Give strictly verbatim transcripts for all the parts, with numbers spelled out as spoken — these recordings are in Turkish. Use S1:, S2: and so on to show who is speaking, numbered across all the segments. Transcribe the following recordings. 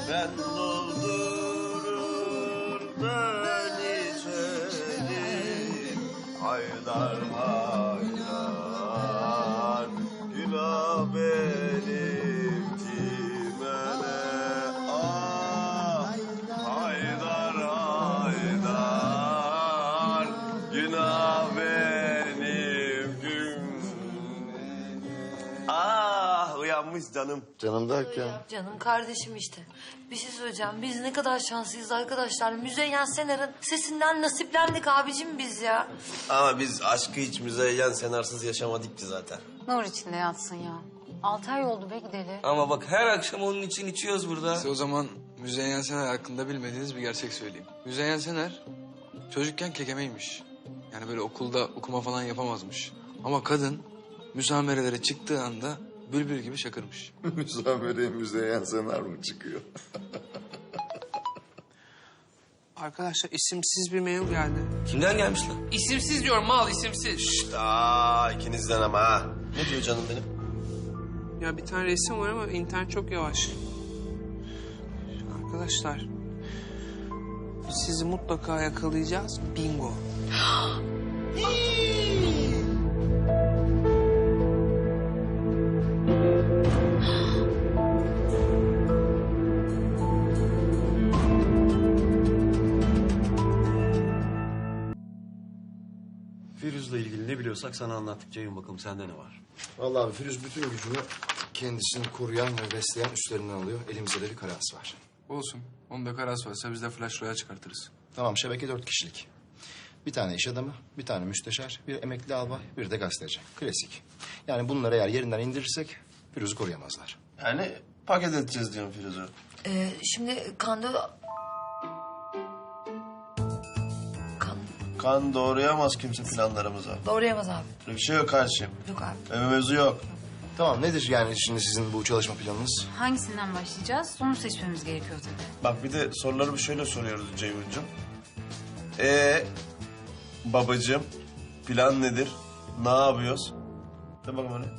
S1: Ben doldurur ben içerim. Haydar haydar günah benim timene. Ah haydar haydar günah benim gün. Ah uyanmış canım.
S2: Canım derken?
S3: Canım kardeşim işte. Bir şey söyleyeceğim. Biz ne kadar şanslıyız arkadaşlar. Müzeyyen Sener'in sesinden nasiplendik abicim biz ya.
S1: Ama biz aşkı hiç Müzeyyen Senarsız yaşamadık ki zaten.
S4: Nur içinde yatsın ya. Altı ay oldu be gideli.
S5: Ama bak her akşam onun için içiyoruz burada.
S6: Size o zaman Müzeyyen Sener hakkında bilmediğiniz bir gerçek söyleyeyim. Müzeyyen Sener çocukken kekemeymiş. Yani böyle okulda okuma falan yapamazmış. Ama kadın müsamerelere çıktığı anda bülbül gibi şakırmış.
S2: Müsamereye Müzeyyen Sener mi çıkıyor?
S7: Arkadaşlar isimsiz bir mail geldi.
S5: Kimden gelmiş lan?
S7: İsimsiz diyorum mal isimsiz.
S1: Şşt, aa, ikinizden ama ha. Ne diyor canım benim?
S7: Ya bir tane resim var ama internet çok yavaş. Arkadaşlar sizi mutlaka yakalayacağız. Bingo.
S8: Firuz'la ilgili ne biliyorsak sana anlattık Ceyhun, bakalım sende ne var?
S2: Vallahi abi Firuz bütün gücünü kendisini koruyan ve besleyen üstlerinden alıyor. Elimizde de bir karası var.
S6: Olsun. Onda karas varsa biz de flash roya çıkartırız.
S2: Tamam, şebeke dört kişilik. Bir tane iş adamı, bir tane müsteşar, bir emekli albay, bir de gazeteci. Klasik. Yani bunları eğer yerinden indirirsek Firuz'u koruyamazlar.
S1: Yani paket edeceğiz diyorum Firuz'u.
S3: Ee, şimdi kanda... Kan
S1: Kan doğrayamaz kimse planlarımıza.
S3: doğrayamaz abi.
S1: Böyle bir şey yok kardeşim.
S3: Yok abi.
S1: Öyle bir mevzu yok.
S2: Tamam, nedir yani şimdi sizin bu çalışma planınız?
S4: Hangisinden başlayacağız? Onu seçmemiz gerekiyor tabii.
S1: Bak bir de soruları bir şöyle soruyoruz Ceyhun'cum. Ee, babacığım plan nedir? Ne yapıyoruz? De bakalım hani.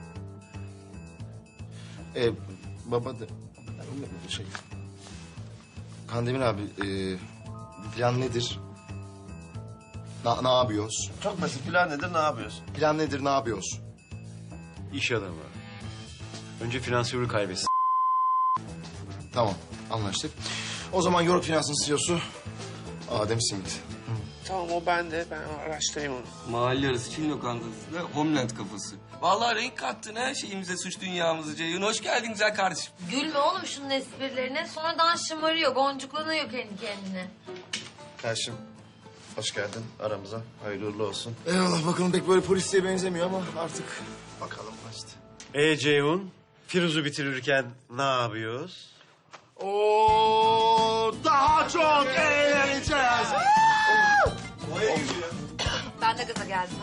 S2: Ee, baba da... Şey... Kandemir abi, e, plan nedir? Na, ne yapıyoruz?
S1: Çok basit, plan nedir, ne yapıyoruz?
S2: Plan nedir, ne yapıyoruz?
S8: İş adamı. Önce finansörü kaybetsin.
S2: Tamam, anlaştık. O zaman York Finans'ın C E O'su Adem Simit.
S7: Tamam o bende. Ben araştırayım onu.
S5: Mahalle arası Çin lokantası da Homeland kafası. Vallahi renk kattın her şeyimize, suç dünyamızı Ceyhun. Hoş geldin güzel kardeşim.
S3: Gülme oğlum şunun esprilerine. Sonradan şımarıyor, boncuklanıyor kendi kendine.
S1: Kardeşim hoş geldin aramıza. Hayırlı uğurlu olsun.
S2: Eyvallah, bakalım pek böyle polisiye benzemiyor ama artık bakalım işte.
S8: Ee Ceyhun, Firuz'u bitirirken ne yapıyoruz?
S2: Oo, daha çok eğleneceğiz.
S3: Ben de gaza geldim.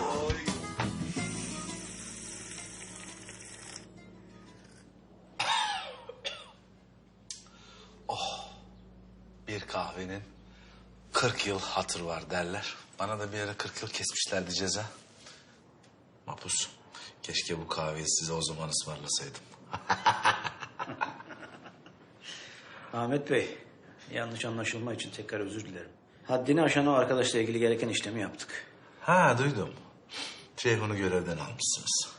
S9: Bir kahvenin kırk yıl hatır var derler. Bana da bir ara kırk yıl kesmişlerdi ceza. Mapus, keşke bu kahveyi size o zaman ısmarlasaydım.
S10: Ahmet Bey, yanlış anlaşılma için tekrar özür dilerim. Haddini aşan o arkadaşla ilgili gereken işlemi yaptık.
S9: Ha duydum. Ceyhun'u görevden almışsınız.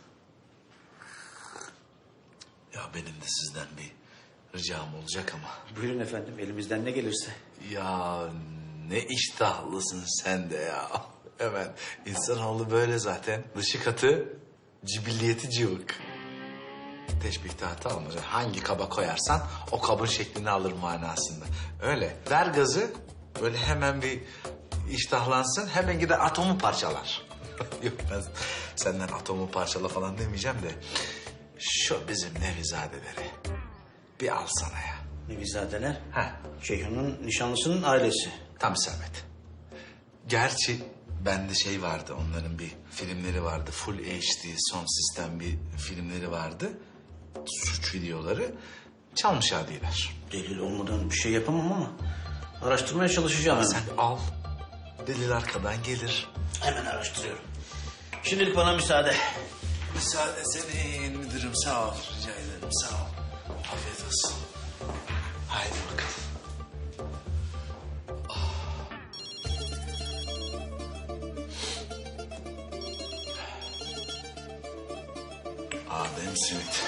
S9: Ya benim de sizden bir ricam olacak ama.
S10: Buyurun efendim, elimizden ne gelirse.
S9: Ya ne iştahlısın sen de ya. Hemen insanoğlu böyle zaten. Dışı katı, cibilliyeti cıvık. Teşbihte hata olmaz. Hangi kaba koyarsan o kabın şeklini alır manasında. Öyle. Ver gazı, böyle hemen bir iştahlansın, hemen gider atomu parçalar. Yok ben senden atomu parçala falan demeyeceğim de... Şu bizim Nevizadeleri bir alsana ya.
S10: Nevizadeler?
S9: Ha.
S10: Ceyhun'un nişanlısının ailesi.
S9: Tam isabet. Gerçi bende şey vardı, onların bir filmleri vardı. Full H D, son sistem bir filmleri vardı. Suç videoları. Çalmış adiler.
S10: Delil olmadan bir şey yapamam ama araştırmaya çalışacağım hemen.
S9: Sen al. Delil arkadan gelir.
S10: Hemen araştırıyorum. Şimdilik bana müsaade.
S9: Müsaade senin müdürüm, sağ ol. Rica ederim, sağ ol. Afiyet olsun. Adem Simit.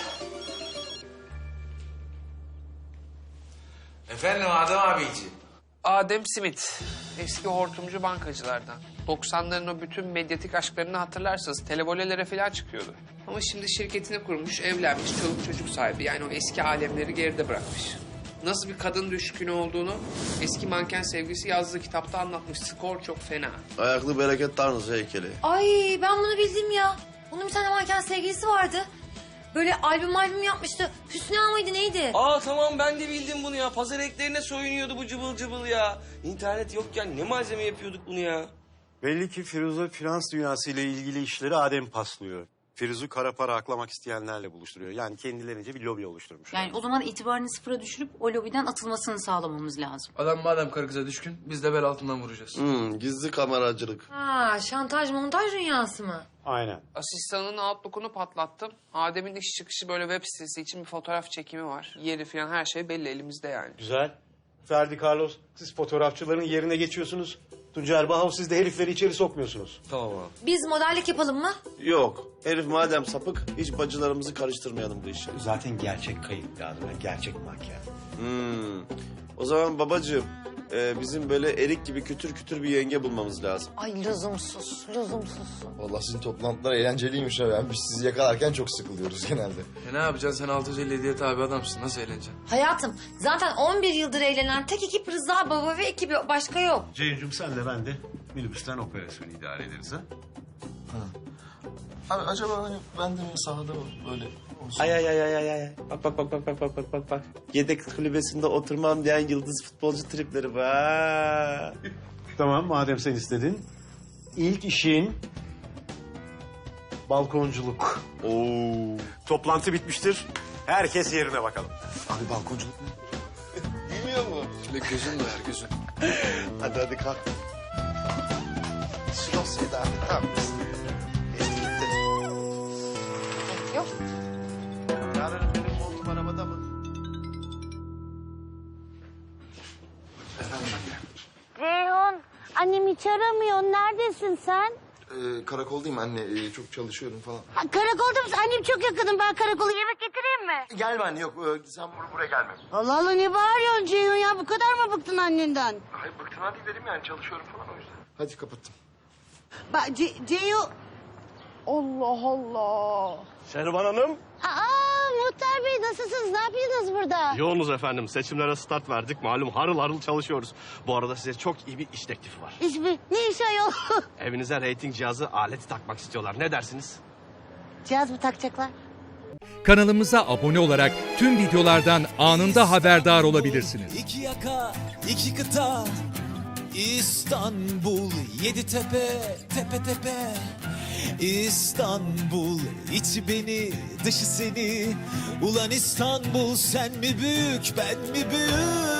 S9: Efendim Adem abiciğim.
S7: Adem Smith, eski hortumcu bankacılardan. doksanların o bütün medyatik aşklarını hatırlarsınız. Televolelere falan çıkıyordu. Ama şimdi şirketini kurmuş, evlenmiş, çoluk çocuk sahibi. Yani o eski alemleri geride bırakmış. Nasıl bir kadın düşkünü olduğunu eski manken sevgilisi yazdığı kitapta anlatmış. Skor çok fena.
S1: Ayaklı bereket tanrısı heykeli.
S3: Ay ben bunu bildim ya. Bunun bir tane manken sevgilisi vardı. Böyle albüm albüm yapmıştı. Hüsnü Ağa mıydı neydi?
S5: Aa tamam ben de bildim bunu ya. Pazar eklerine soyunuyordu bu cıbıl cıbıl ya. İnternet yokken ne malzeme yapıyorduk bunu ya.
S8: Belli ki Firuze finans dünyası ile ilgili işleri Adem paslıyor. Firuz'u kara para aklamak isteyenlerle buluşturuyor. Yani kendilerince bir lobi oluşturmuş.
S4: Yani o zaman itibarını sıfıra düşürüp o lobiden atılmasını sağlamamız lazım.
S6: Adam madem karı kıza düşkün biz de bel altından vuracağız.
S1: Hmm, gizli kameracılık.
S3: Ha şantaj montaj dünyası mı?
S8: Aynen.
S7: Asistanının Outlook'unu patlattım. Adem'in iş çıkışı böyle web sitesi için bir fotoğraf çekimi var. Yeri falan her şey belli elimizde yani.
S8: Güzel. Ferdi Carlos, siz fotoğrafçıların yerine geçiyorsunuz. Tuncer Bahav, siz de herifleri içeri sokmuyorsunuz.
S5: Tamam abi.
S3: Biz modellik yapalım mı?
S1: Yok. Herif madem sapık, hiç bacılarımızı karıştırmayalım bu işe.
S8: Zaten gerçek kayıp lazım. Gerçek makyaj.
S1: Hmm. O zaman babacığım, e, bizim böyle erik gibi kütür kütür bir yenge bulmamız lazım.
S3: Ay lüzumsuz, lüzumsuz.
S2: Vallahi sizin toplantılar eğlenceliymiş ha. Yani biz sizi yakalarken çok sıkılıyoruz genelde.
S6: E ne yapacaksın sen altı yüz elli hediye tabi adamsın. Nasıl eğleneceksin?
S3: Hayatım zaten on bir yıldır eğlenen tek ekip Rıza Baba ve ekibi başka yok.
S8: Ceyhun'cum sen de ben de minibüsten operasyonu idare ederiz ha.
S2: Abi acaba hani ben de mi sahada böyle olsun?
S1: Ay ay ay ay ay ay. Bak bak bak bak bak bak bak bak bak. Yedek kulübesinde oturmam diyen yıldız futbolcu tripleri var.
S8: Tamam, madem sen istedin. İlk işin balkonculuk.
S1: Oo.
S8: Toplantı bitmiştir. Herkes yerine bakalım.
S2: Abi balkonculuk ne?
S1: Bilmiyor mu?
S6: Şöyle gözün doyar gözün.
S1: Hadi hadi kalk.
S2: Slow Seda abi tamam mısın?
S3: Yok.
S1: Yarın benim montum arabada mı?
S11: Ceyhun, annem hiç aramıyor. Neredesin sen?
S2: Ee, karakoldayım anne. Ee, çok çalışıyorum falan.
S11: Ha, karakolda mısın? Annem çok yakınım. Ben karakola yemek getireyim mi?
S2: Gelme anne yok. Ee, sen bur buraya gelme.
S11: Allah Allah ne bağırıyorsun Ceyhun ya? Bu kadar mı bıktın annenden?
S2: Hayır bıktığına değil dedim yani çalışıyorum falan o yüzden. Hadi kapattım.
S11: Bak Ce Ceyhun... Allah Allah.
S8: Şervan Hanım.
S11: Aa Muhtar Bey nasılsınız? Ne yapıyorsunuz burada?
S8: Yoğunuz efendim. Seçimlere start verdik. Malum harıl harıl çalışıyoruz. Bu arada size çok iyi bir iş teklifi var.
S11: İş mi? Ne iş ayol?
S8: Evinize reyting cihazı aleti takmak istiyorlar. Ne dersiniz?
S11: Cihaz mı takacaklar?
S12: Kanalımıza abone olarak tüm videolardan anında haberdar olabilirsiniz.
S13: İki yaka, iki kıta, İstanbul, yedi tepe, tepe tepe. İstanbul, içi beni, dışı seni. Ulan İstanbul, sen mi büyük, ben mi büyük?